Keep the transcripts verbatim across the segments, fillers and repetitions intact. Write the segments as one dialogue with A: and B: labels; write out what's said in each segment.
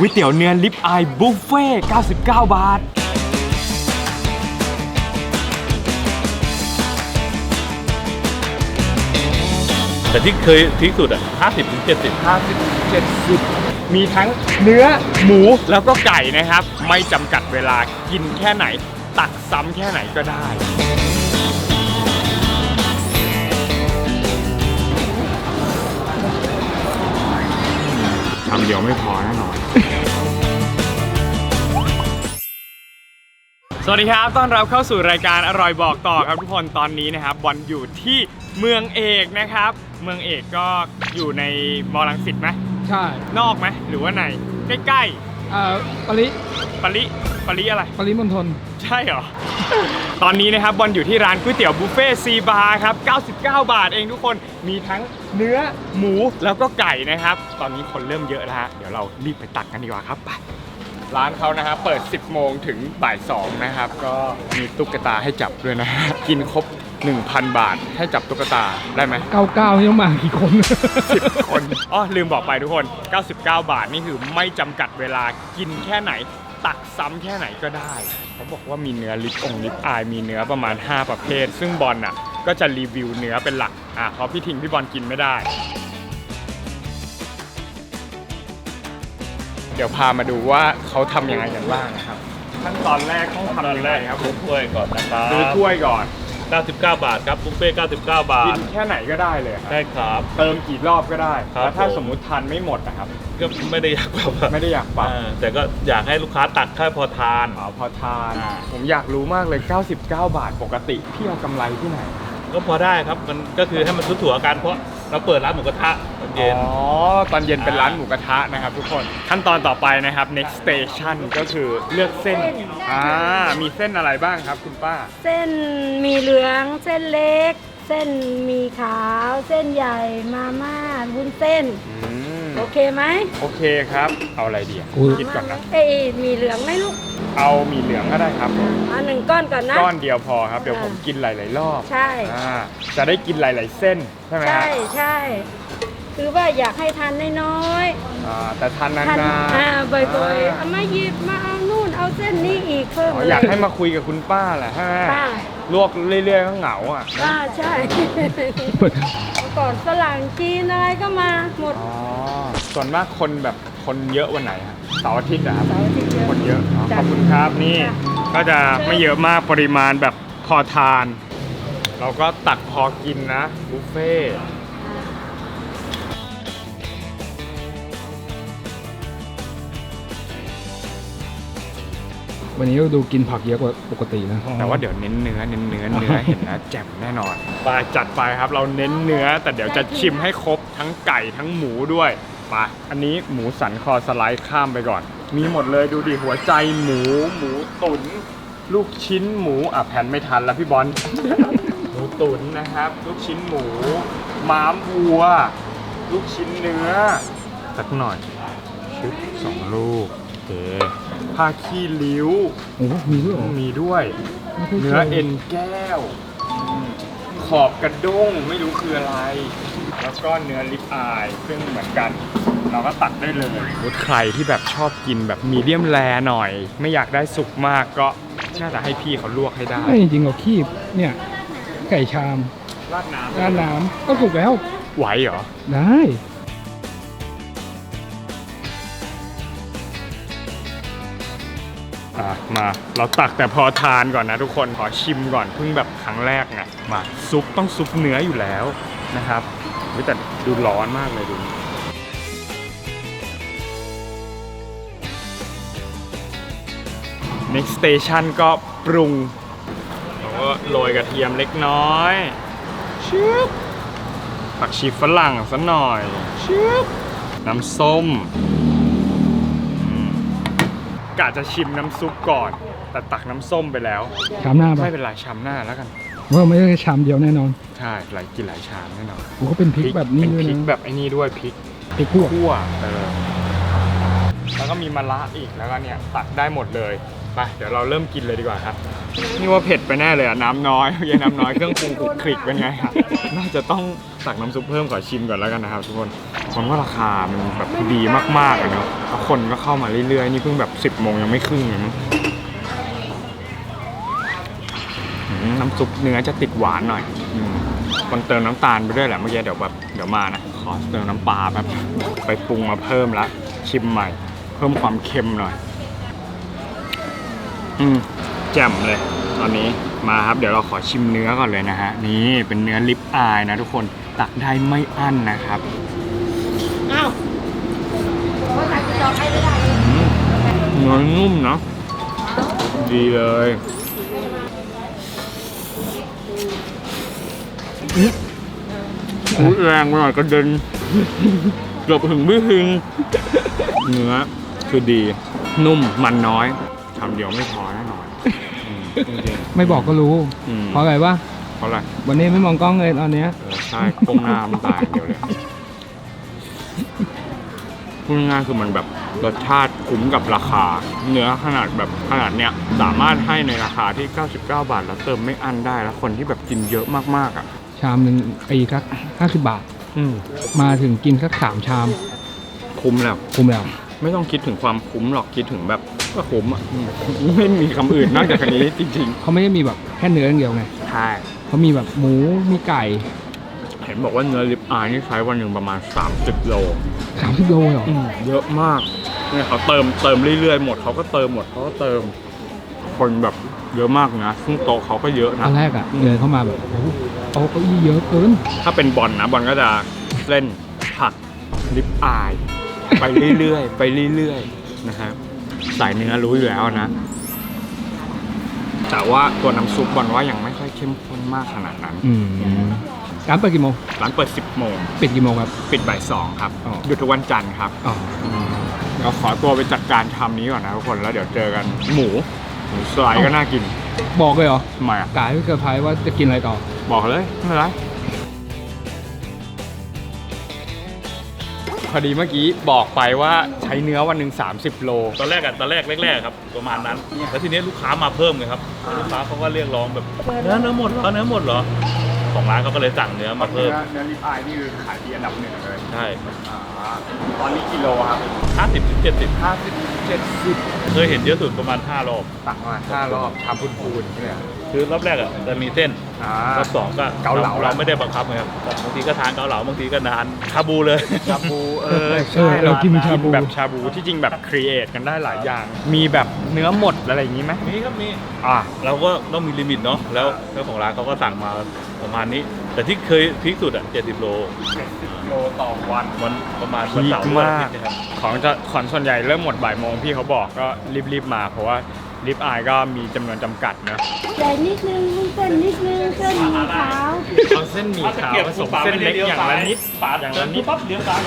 A: ก๋วยเตี๋ยวเนื้อลิปอายบุฟเฟ่เก้าสิบเก้าบาท
B: แต่ที่เคยที่สุดอ่ะห้าสิบถึงเจ็ดสิบ
A: ห้าสิบ เจ็ดสิบมีทั้งเนื้อหมูแล้วก็ไก่นะครับไม่จำกัดเวลากินแค่ไหนตักซ้ำแค่ไหนก็ได้ชามเดียวไม่พอแน่นอนสวัสดีครับต้อนรับเข้าสู่รายการอร่อยบอกต่อครับทุกคนตอนนี้นะครับบอลอยู่ที่เมืองเอกนะครับเมืองเอกก็อยู่ในมอลังสิตไหม
C: ใช่
A: นอกไหมหรือว่าในใกล้
C: ๆเอ่อปริ
A: ปริปริอะไร
C: ปริมณฑล
A: ใช่เหรอ ตอนนี้นะครับบอลอยู่ที่ร้านก๋วยเตี๋ยวบุฟเฟ่ซีบาร์ครับเก้าสิบเก้าบาทเองทุกคนมีทั้งเนื้อหมูแล้วก็ไก่นะครับตอนนี้คนเริ่มเยอะแล้วฮะเดี๋ยวเรารีบไปตักกันดีกว่าครับไปร้านเขานะครับเปิดสิบโมงถึงบ่ายสองนะครับก็มีตุ๊กตาให้จับด้วยนะกินครบ หนึ่งพัน บาทให้จับตุ๊กตาได้ไหม
C: เก้าสิบเก้านี่ต้องมากี่คน
A: สิบ คนอ๋อลืมบอกไปทุกคนเก้าสิบเก้าบาทนี่คือไม่จำกัดเวลากินแค่ไหนตักซ้ำแค่ไหนก็ได้เขาบอกว่ามีเนื้อลิปองลิปอายมีเนื้อประมาณห้าประเภทซึ่งบอลน่ะก็จะรีวิวเนื้อเป็นหลักอ่ะเพราะพี่ทิงพี่บอลกินไม่ได้เดี๋ยวพามาดูว่าเขาทำยังไงกันบ้างนะครับขั้นตอนแรกต้องทำยังไงครับ
B: ซื้อถ้วยก่อนนะครับ
A: ซื้อถ้วยก่อน
B: เก้าสิบเก้าบาทครับบุฟเฟ่เก้าสิบเก้าบาท
A: กินแค่ไหนก็ได้เลย
B: ใช่ครับ
A: เติมกี่รอบก็ได้แล้วถ้าสมมุติทานไม่หมดนะครับ
B: ก็ไม่ได้อยากปรับ
A: ไม่ได้อยากปรับ
B: แต่ก็อยากให้ลูกค้าตักแค่พอทาน
A: อ๋อพอทานผมอยากรู้มากเลยเก้าสิบเก้าบาทปกติพี่เอากำไรที่ไหน
B: ก็พอได้ครับมันก็คือให้มันทั่วๆกันเพราะเราเปิดร้านหมูกระทะตอนเย็น
A: อ๋อตอนเย็นเป็นร้านหมูกระทะนะครับทุกคนขั้นตอนต่อไปนะครับ next station ก็คือเลือกเส้นอ่ามีเส้นอะไรบ้างครับคุณป้า
D: เส้นมีเหลืองเส้นเล็กเส้นมีขาวเส้นใหญ่มาม่าวุ้นเส้นโอเคไหม
A: โอเคครับเอาอะไรดีคิดก่อนนะ
D: เอ้ยมีเหลืองไหมลูก
A: เอามีเหลืองก็ได้ครับ
D: เอาหนึ่งก้อนก่อนนะ
A: ก้อนเดียวพอครับเดี๋ยวผมกินหลายๆรอบ
D: ใช่
A: จะได้กินหลายๆเส้นใช่ไหม
D: ใช่ใช่คือว่าอยากให้ทานน้อย
A: ๆแต่ทานนาน
D: ๆอ่าบ่อยๆเอามาหยิบมาเอานู่นเอาเส้นนี้อีกเพิ่ม
A: อยากให้มาคุยกับคุณป้าแหละฮะลวกเรื่อยๆก็เหงาอ่ะ
D: อ่าใช่ก่อนฝรั่งจีนอะไรก็มาหมด
A: อ๋อส่วนมากคนแบบคนเยอะวันไหนครับเสาร์อาทิตย์นะครับคนเยอะขอบคุณครับนี่ก็จะไม่เยอะมากปริมาณแบบพอทานเราก็ตักพอกินนะบุฟเฟ่
C: วันนี้เราดูกินผักเยอะกว่าปกตินะ
A: แต่ว่าเดี๋ยวเน้นเนื้อเน้นเนื้อเนื้อเห็นนะแจ่มแน่นอนไปจัดไปครับเราเน้นเนื้อแต่เดี๋ยวจะชิมให้ครบทั้งไก่ทั้งหมูด้วยไปอันนี้หมูสันคอสไลด์ข้ามไปก่อนมีหมดเลยดูดิหัวใจหมูหมูตุ๋นลูกชิ้นหมูอ่ะแผ่นไม่ทันแล้วพี่บอล หมูตุ๋นนะครับลูกชิ้นหมูม้ามวัวลูกชิ้นเนื้อสักหน่อยชุดสองลูกโอเคผ้าขี้ริ้ว
C: โอ้มีด้วย
A: มีด้วยเนื้อเอ็นแก้วขอบกระด้งไม่รู้คืออะไรแล้วก็เนื้อลิปอายซึ่งเหมือนกันเราก็ตัดได้เลยใครที่แบบชอบกินแบบมีเดียมแรหน่อยไม่อยากได้สุกมากก็น่าจะให้พี่เขาลวกให้ได้
C: ไม่จริงๆเราคีบเนี่ยไก่ชาม
A: ราดน้ำ
C: ราดน้ำก็สุกแล้ว
A: ไหวเหรอ
C: ได้
A: มาเราตักแต่พอทานก่อนนะทุกคนขอชิมก่อนเพิ่งแบบครั้งแรกไงมาซุปต้องซุปเนื้ออยู่แล้วนะครับแต่ดูร้อนมากเลยดู next station ก็ปรุงแล้วก็โรยกระเทียมเล็กน้อยชิบผักชีฝรั่งสักหน่อยชิบน้ำส้มกะจะชิมน้ำซุปก่อนแต่ตักน้ำส้มไปแล้ว
C: ชามหน้า
A: ไม่เป็นไรชามหน้าแล้วกัน
C: ว่าไม่ใช่ชามเดียวแน่นอน
A: ใช่หลายกินหลายชามแน่นอน
C: โอ้ก็เป็นพริกแบบนี้ด้วยนะ
A: พริกแบบไอ้นี่ด้วยพริก
C: พริกคั่ว
A: คั่วเออแล้วก็มีมะระอีกแล้วก็เนี่ยตักได้หมดเลยไปเดี๋ยวเราเริ่มกินเลยดีกว่าครับนี่ว่าเผ็ดไปแน่เลยอ่ะน้ำน้อยยังน้ำน้อยเครื่องปรุงคลุกคลิกเป็นไงครับน่าจะต้องตักน้ำซุปเพิ่มขอชิมก่อนแล้วกันนะครับทุกคนมันว่าราคามันแบบดีมากๆอะเนาะแล้วคนก็เข้ามาเรื่อยๆนี่เพิ่งแบบสิบโมงยังไม่ครึ่งเลยมั้งอืมน้ำซุปเนื้อจะติดหวานหน่อยอืมมันเติมน้ำตาลไปด้วยแหละเมื่อกี้เดี๋ยวแบบเดี๋ยวมานะขอเติมน้ำปลาแบบไปปรุงมาเพิ่มละชิมใหม่เพิ่มความเค็มหน่อยอืมแจ่มเลยตอนนี้มาครับเดี๋ยวเราขอชิมเนื้อก่อนเลยนะฮะนี่เป็นเนื้อลิปอายนะทุกคนตักได้ไม่อั้นนะครับ
D: อ้าวว่าใครจะจองให้ไม่ได้
A: อืมเนื้อนุ่มเนาะดีเลยพูดแรงไปหน่อยกระเด็นเกือบถึงไม่ถึงเนื้อคือดีนุ่มมันน้อยทำเดียวไม่พอแน่นอนอืมจริงๆ
C: ไม่บอกก็รู้
A: อืม
C: เพราะอะไรวะ
A: เพราะอะไร
C: วันนี้ไม่มองกล้องเลยตอนเนี้ย
A: เออใช่ก้มหน้ามันตายอย่างเดียวเลยพูดง่ายๆคือมันแบบรสชาติคุ้มกับราคา เนื้อขนาดแบบขนาดเนี้ยสามารถให้ในราคาที่เก้าสิบเก้าบาทแล้วเติมไม่อั้นได้แล้วคนที่แบบกินเยอะมากๆอ่ะ
C: ชามหนึ่งปีสักห้าสิบบาท
A: อืม
C: มาถึงกินสักสามชาม
A: คุ้มแล้ว
C: คุ้มแล้ว
A: ไม่ต้องคิดถึงความคุ้มหรอกคิดถึงแบบก็คุ้มอ่ะอืมไม่มีคำอื่นนอกจากอันนี้จริง
C: เขาไม่ได้มีแบบแค่เนื้ออย่างเดียวไง
A: ๆใช่
C: เขามีแบบหมูมีไก่
A: เห็นบอกว่าเนื้อลิปอายนี่ใช้วันหนึ่งประมาณสามสิบโล
C: สามสิบโลเหรอ
A: อืมเยอะมากเนี่ยเขาเติมเติมเรื่อยๆหมดเขาก็เติมหมดเขาก็เติม คนแบบเยอะมากนะซึ่งโต๊ะเขาก็เยอะ
C: ต
A: นะ
C: อนแรกอ่ะเดินเข้ามาแบบโอ้โหโต๊ะเก้าอี้เยอะเกิน
A: ถ้าเป็นบอลนะบอลก็จะเล่นผัดลิปอาย ไปเรื่อยๆ ไปเรื่อยๆนะฮะสายเนื้อรู้อยู่แล้วนะ แต่ว่าตัวน้ำซุปบอลว่ายังไม่ค่อยเข้มข้นมากขนาดนั้น
C: อืมร้านเปิดกี่โมง
A: ร้านเปิดสิบโมง
C: ปิดกี่โมงครับ
A: ปิดบ่ายสองครับ
C: อ๋อ
A: หยุดทุกวันจันทร์ครับ
C: อ๋อ
A: เราขอตัวไปจัดการทำนี้ก่อนนะทุกคนแล้วเดี๋ยวเจอกันหมูหมูสไลด์ก็น่ากิน
C: บอกเลยเหรอ
A: ทำไมอ่ะ
C: กายไม่เซอร์ไพรส์ว่าจะกินอะไรต่อ
A: บอกเลยไม่เป็นไรพอดีเมื่อกี้บอกไปว่าใช้เนื้อวันหนึ่งสามสิบโล
B: ตอนแรกอะตอนแรกแรกๆครับประมาณนั้นแล้วทีนี้ลูกค้ามาเพิ่มไงครับลูกค้าเขาก็เรียกร้องแบบเนื้อเนื้อหมดเหรอเนื้อหมดเหรอของร้านเขาก็เลยสั่งเนื้อมาเพิ่ม
A: เนื้อลิปอายนี่คือขายดีอันดับหนึ่งเลย
B: ใช่
A: ตอนนี้กิโลครับ
B: ห้าสิบถึงเจ็ดสิบ
A: ห้าสิบเจ็ดสิบ
B: เคยเห็นเยอะสุดประมาณห้ารอบ
A: ตักมาห้ารอบชามพูนๆเนี่ย
B: คือรอบแรกอะจะมีเส้น
A: อ่าร
B: อบสองก็
A: เกาเหลา
B: เราไม่ได้บังคับไงครับบางทีก็ทานเกาเหลาบางทีก็ทานชาบูเลย
A: ชาบูเออ
C: เอ
A: ใช่
C: อเรากินชาบู
A: แบบชาบูที่จริงแบบครีเอทกันได้หลายอย่าง มีแบบเนื้อหมดอะไรอย่างนี้ไหม
B: มีครับมี
A: อ่า
B: เราก็ต้องมีลิมิตเนาะแล้วเจ้าของร้านเขาก็สั่งมาประมาณนี้ แต่ที่เคยพีคสุดอะเจ็ดสิบโล
A: เจ็ดสิบโลต่อวัน
B: วันประมาณวัน
A: พี
B: เสา
A: ค
B: ร์วัน
A: มา
B: อาก ทิตย์นะครับ
A: ของจะของส่วนใหญ่เริ่มหมดบ่ายโมงพี่เขาบอกก็รีบๆมาเพราะว่าลิปอายก็มีจำนวนจำกัดนะ
D: ใส่นิดนึงวุ้นเส้นนิดนึงเส้นหมีขาว
A: เอาเส้นหมี่ขาวผสมเส้นเล็กอย่างละนิด
B: ปาด
A: อย่างละนิด
B: ปั๊บเลี้ยวซ้ายเลย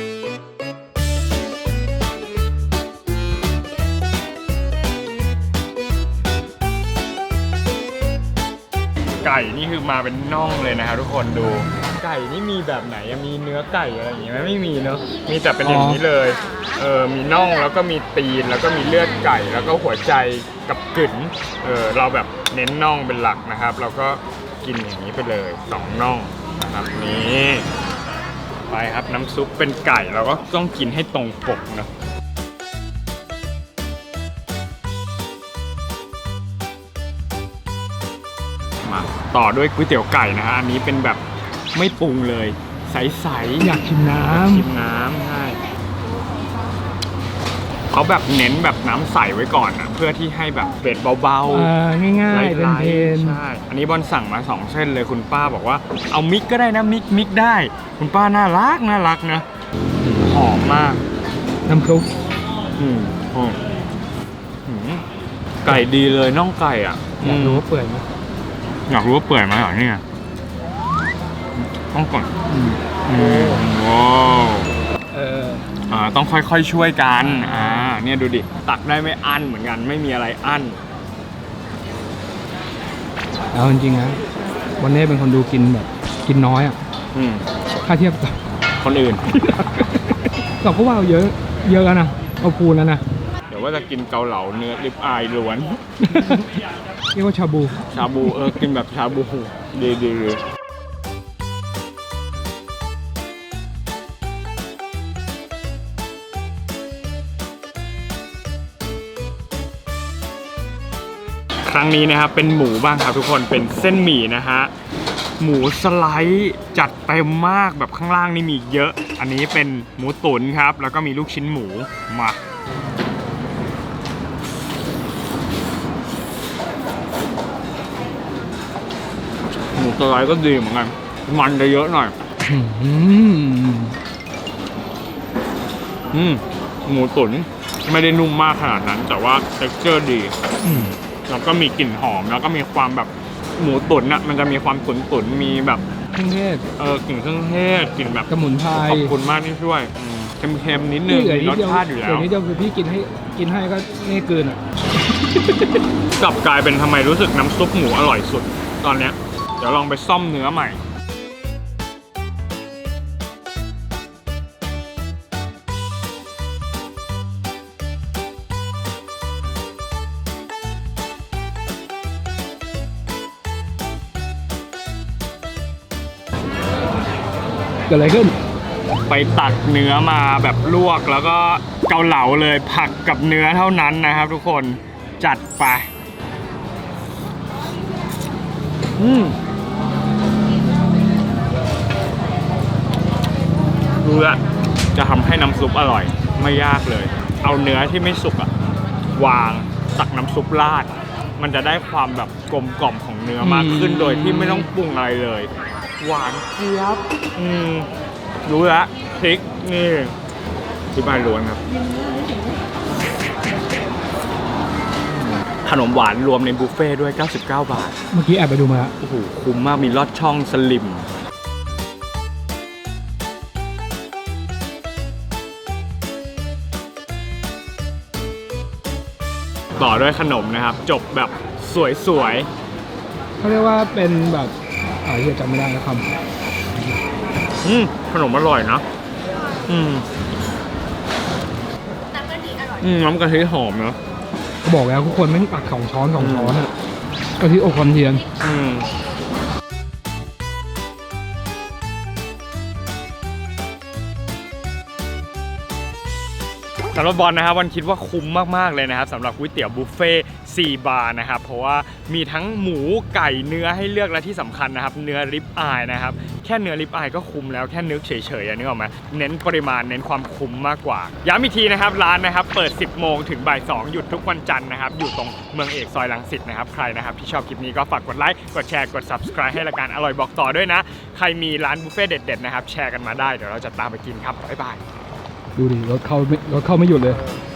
A: ไก่นี่คือมาเป็นน่องเลยนะครับทุกคนดู ไก่นี่มีแบบไหนอะมีเนื้อไก่อะไรอย่างงี้ไหมไม่มีเนอะมีแต่เป็นอย่างนี้เลยเออมีน่องแล้วก็มีตีนแล้วก็มีเลือดไก่แล้วก็หัวใจกับกึ๋นเออเราแบบเน้นน่องเป็นหลักนะครับ เราก็กินอย่างนี้ไปเลยสองน่องนะครับนี่ไปครับน้ำซุปเป็นไก่เราก็ต้องกินให้ตรงปกเนอะมาต่อด้วยก๋วยเตี๋ยวไก่นะฮะอันนี้เป็นแบบไม่ปรุงเลยใสๆ
C: อยากชิมน้
A: ชิมน้ำใช่เขาแบบเน้นแบบน้ำใสไว้ก่อนนะเพื่อที่ให้แบบเผ็ดเบา
C: ำอ่าง่ายๆ
A: ไล่
C: เพลน
A: ๆใช่อันนี้บอลสั่งมาสองเส้นเลยคุณป้าบอกว่าเอามิกก็ได้นะมิกมิกได้ คุณป้าน่ารักน่ารักนะหอมมาก
C: ๆน้ำซุป
A: อืมหอมอืมไก่ดีเลยน่องไก่อ่ะ
C: อยากรู้ว่าเปื่อยไหม
A: อยากรู้ว่าเปื่อยไหมเหรอเนี่ยต้องก่อน
C: อืม
A: อืมว้าว
C: เออ
A: อ่าต้องค่อยๆช่วยกันอ่าเนี่ยดูดิตักได้ไม่อั้นเหมือนกันไม่มีอะไรอั้น
C: เอาจริงๆนะวันนี้เป็นคนดูกินแบบกินน้อยอ่ะ
A: อืม
C: ถ้าเทียบกับ
A: คนอื่น
C: เราก็ว่าเอาเยอะเยอะแล้วนะเอาพูนแล้วนะ
A: เดี๋ยวว่าจะกินเกาเหลาเนื้อริบอายล้วน
C: เรียกว่าชาบู
A: ชาบูเออกินแบบชาบูดีดีเลยครั้งนี้นะครับเป็นหมูบ้างครับทุกคนเป็นเส้นหมี่นะฮะหมูสไลด์จัดเต็มมากแบบข้างล่างนี่มีเยอะอันนี้เป็นหมูตุ๋นครับแล้วก็มีลูกชิ้นหมูมาหมูสไลด์ก็ดีเหมือนกันมันจะเยอะหน่อย
C: อืม
A: อืมหมูตุ๋นไม่ได้นุ่มมากขนาดนั้น แต่ว่า texture ดี
C: อืม
A: แล้วก็มีกลิ่นหอมแล้วก็มีความแบบหมูตุ๋นอ่ะมันจะมีความตุ๋นตุ๋นๆมีแบบ
C: เครื่องเทศ
A: เออกลิ่นเครื่องเทศกลิ่นแบบ
C: สมุนไพร
A: ขอบคุณมากที่ช่วยอืมเค็มๆนิดนึง
C: เหลือ
A: มี
C: นิ
A: ร
C: ด
A: ส
C: เดียว
A: ชาติอยู่
C: เห
A: แล้
C: ลื
A: ว
C: อนิดเดียวคือพี่กินให้กินให้ก็นี่เกินอ่ะ
A: กลับกลายเป็นทำไมรู้สึกน้ำซุปหมูอร่อยสุดตอนเนี้ยเดี๋ยวลองไปซ่อมเนื้อใหม่
C: เกิดอะไรขึ้น
A: ไปตักเนื้อมาแบบลวกแล้วก็เกาเหลาเลยผักกับเนื้อเท่านั้นนะครับทุกคนจัดไปอืมรู้ละจะทำให้น้ำซุปอร่อยไม่ยากเลย เอาเนื้อที่ไม่สุกอะวางตักน้ำซุปราดมันจะได้ความแบบกลมกล่อมของเนื้อมากขึ้น
C: อืม
A: โดยที่ไม่ต้องปรุงอะไรเลย หวานเจี๊ยบอืมรู้ละพริกนี่ที่บ้านล้วนครับ ขนมหวานรวมในบุฟเฟ่ต์ด้วยเก้าสิบเก้าบาท
C: เมื่อกี้แอบไปดูมาแล้ว
A: โอ้โหคุ้มมากมีลอดช่องสลิมต่อด้วยขนมนะครับ จบแบบสวย
C: เขาเรียกว่าเป็นแบบอ่าเฮียจำไม่ได้แล้วค
A: ๆอืมขนมอร่อยนะ อืมน้ำกะทิอร่อยอืมน้ำกะทิหอมเนาะ
C: ำเขาบอกแล้วทุกคนแม่งตักสองช้อนสองช้อนอ่ะกะทิอบความเทียน
A: อืมสำหรับบอลนะครับวันคิดว่าคุ้มมากๆเลยนะครับสำหรับก๋วยเตี๋ยวบุฟเฟ่ต์สี่บาร์นะครับเพราะว่ามีทั้งหมูไก่เนื้อให้เลือกและที่สำคัญนะครับเนื้อริบอายนะครับแค่เนื้อริบอายก็คุ้มแล้วแค่นึกเฉยๆอะนึกออกไหมเน้นปริมาณเน้นความคุ้มมากกว่าย้ำอีกทีนะครับร้านนะครับเปิดสิบโมงถึงบ่ายสองหยุดทุกวันจันทร์นะครับอยู่ตรงเมืองเอกซอยรังสิตนะครับใครนะครับที่ชอบคลิปนี้ก็ฝากกดไลค์กดแชร์กด Subscribe ให้รายการอร่อยบอกต่อด้วยนะใครมีร้านบุฟเฟ่ต์เด็ดๆนะครับแชร์กันมาได้เดี๋ยวเราจะตามไปกินครับบ๊ายบาย
C: ดูดิรถเข้าไม่รถเข้าไม่หยุดเลย
A: เ